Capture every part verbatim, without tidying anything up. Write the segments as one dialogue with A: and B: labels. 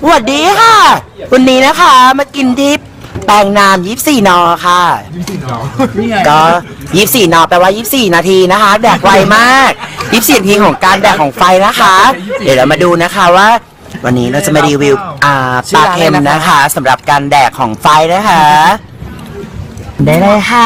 A: สวัสดีค่ะวันนี้นะคะมากินทิปแปลงนามยี่สิบสี่นอค่ะก็ยี่สิบสี่นอแปลว่ายี่สิบสี่นาทีนะคะแดกไวมากยี่สิบสี่นาทีของการแดกของไฟนะคะเดี๋ยวเรามาดูนะคะว่าวันนี้เราจะมารีวิวอ่าปลาเค็มนะคะสำหรับการแดกของไฟนะคะได้เลยค่ะ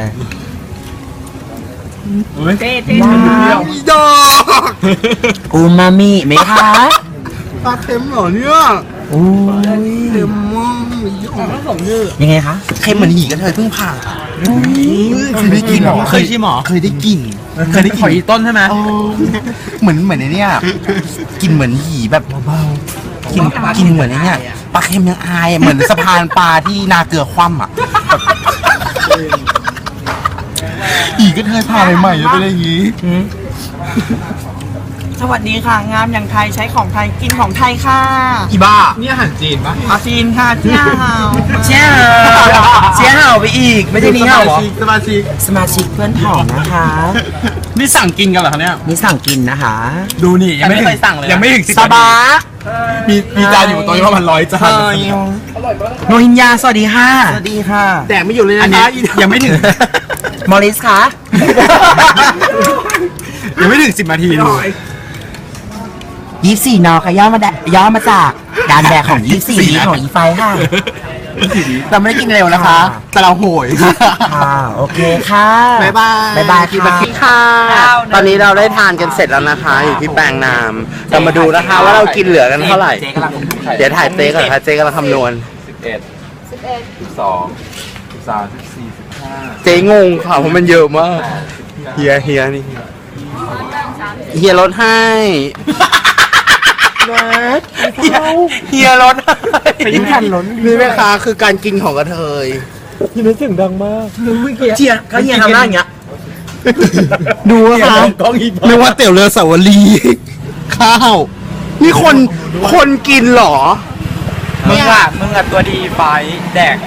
B: เต้เต้
C: ดอก
A: อูมามิไหมคะ
C: ปลาเค็มเหรอเนี่ย
A: อู้ย
C: เค็มมากผสมเยอะ
A: ยังไงคะ
C: เค็มเหมือนหีกระเทยเพิ่งผ่าเคยได้กินหรอ
B: เคยชิมหรอ
C: เคยได้กิน
B: เคยได้ขออีต้นใช่ไหม
C: เหมือนเหมือนไอ้เนี่ยกินเหมือนหีแบบเบาๆกินกินเหมือนไอ้เนี่ยปลาเค็มยังอายเหมือนสะพานปลาที่นาเกลือคว่ำอ่ะหีกระเทยผ่าใหม่ๆจะเป็นอย่างนี้
B: สวัสดีค่ะงามอย่างไทยใช้ของไทยกินของไทยค่ะ
C: อีบ้านี่อาหารจีนปะ
B: อาซีนค่ะเจ้า
A: เชี่ยเชี่ยเห่าไปอีกไม่ใช่นี่เห่าเหรอ
C: สมาชิก
A: สมาชิกเพื่อนผองนะคะ
B: นี่สั่งกินกันเหรอคะเนี่ย
A: นี่สั่งกินนะคะ
B: ดูนี่ยังไม่เคยสั่งเลยยังไม่ถึงสิบ
A: สบา
C: มีมีจานอยู่ตรงนี้ประมาณร้อยจาน
A: โนฮินยาสวัสดีค่ะ
C: สวัสดีค่ะแดกไม่อยู่เลยนะ
B: อันนี้ยังไม่ถึง
A: มอริสคะ
B: ยังไม่ถึงสิบนาทีเลย
A: ยี่สิบสี่นอค่ะย่อมาแดย่อมาจากการแดกของยี่สิบสี่นี้ของอีไฟค่ะ
C: เราไม่ได้กินเร็วนะคะ แต่เราโหย
A: ค่ะโอเคค่ะ
C: บ๊ายบาย
A: บ๊ายบายค่ะ
C: ค่ะ ตอนนี้เราได้ทานกันเสร็จแล้วนะคะ อยู่ที่แปลงนาม เรามาดูนะคะว่าเรากินเหลือกันเท่าไหร่ เดี๋ยวถ่ายเจ๊ก่อนค่ะเจ๊กำลังคำนวณ
D: สิบเอ็ดสิบเอ็ดสิบสองสิบสามสิบสี่สิบห้า
C: เจ๊งงค่ะเพราะมันเยอะมาก เฮียเฮียนี่เฮียลดให้เฮียลดให้ยิ่งทันล้นนี่แม่ค้าคือการกินของกระเทย
A: เชียเขาเฮียทำหน้าอย่างเงี้ย
C: ดูอะค่ะนึกว่าเตี๋ยวเรือสาวรีข้าว นี่คนคนกินเหรอ
B: มึงอ่ะมึงอ่ะตัวดีไฟแดก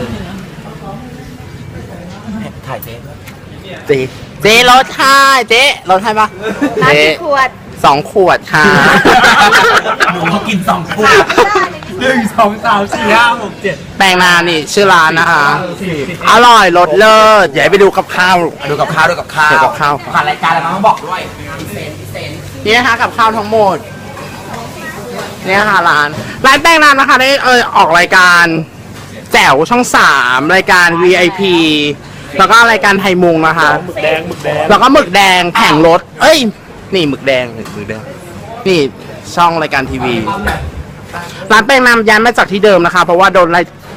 A: ถ่ายเจ๊
C: เจ๊เจ๊รถให้เจ๊รถให้ปะ
E: ร้าน
C: เจ๊
E: กี่ขวด
C: สองขวดค่ะ
A: เขากินสองขวด
B: หนึ่งสองสามสี่ห้าหกเจ็ด
C: แปลงนานนี่ชื่อร้านนะคะ อร่อยรสเลิศอย่าให้ไปดูกับข้าว
A: ดูกับข้าวดูกับข้าว
C: เดี๋ยวกับข้าว
A: ผ่านรายการแล้วมั้งต้องบอกด้วย
C: นี่นะคะกับข้าวทั้งหมดนี่นะคะร้านร้านแป้งนานนะคะได้เออออกรายการแจ๋วช่องสามรายการ วี ไอ พี แล้วก็รายการไทยมุงนะคะแล้วก็หมึกแดงแผงรถเอ้ยนี่หมึกแดงหมึกแดงนี่ช่องรายการทีวีร้านแป้งนามย้ายมาจากที่เดิมนะคะ เพราะว่าโดนไล่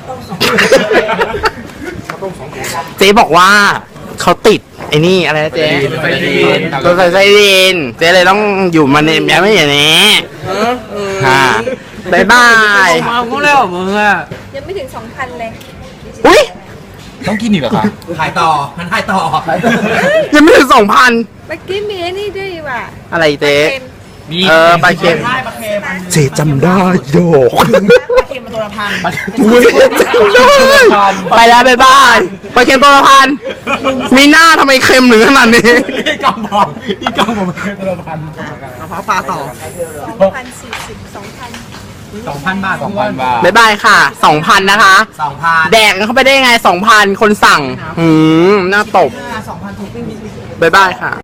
C: เจ๊บอกว่าเขาติดไอ้นี่อะไรนะเจ๊ตัวใส่ไซดินเจ๊เลยต้องอยู่มาเนี่ยย้ายไม่อย่างนี้ค่ะบายบาย
B: มาพวกเร็วมึงอ่ะ
E: ยังไม่ถึงสองพันเลย
C: อุ้ย
D: ต้องกินอีกเหรอคะ
A: ถ่ายต่อมันถ่ายต่อ
C: ยังไม่ถึงสองพัน
E: เมื่อกี้มีไอ้นี่ด้วยว่ะ
C: อะไรเจ๊
E: เค็ม
C: เออปลาเค็มเจ๊จำได้โยก
B: ปลาเค็มมาตัวละพัน
C: อุ้ยจำได้ไปแล้วบายบายปลาเค็มตัวละพันมีหน้าทำไมเค็มหรือขนาดนี้
B: นี่กำบอกนี่กำบอกมันตัวละพันกระเพาะปลาต่อ
E: สองพันสี่สิบสองพัน
B: สองพันบาท
D: สองพันบาท
C: บายบายค่ะสองพันนะคะ
A: สองพัน
C: แดกกันเข้าไปได้ไงสองพันคนสั่ง หืมน่าตบ
B: สองพันถูก
C: บายบายค่ะ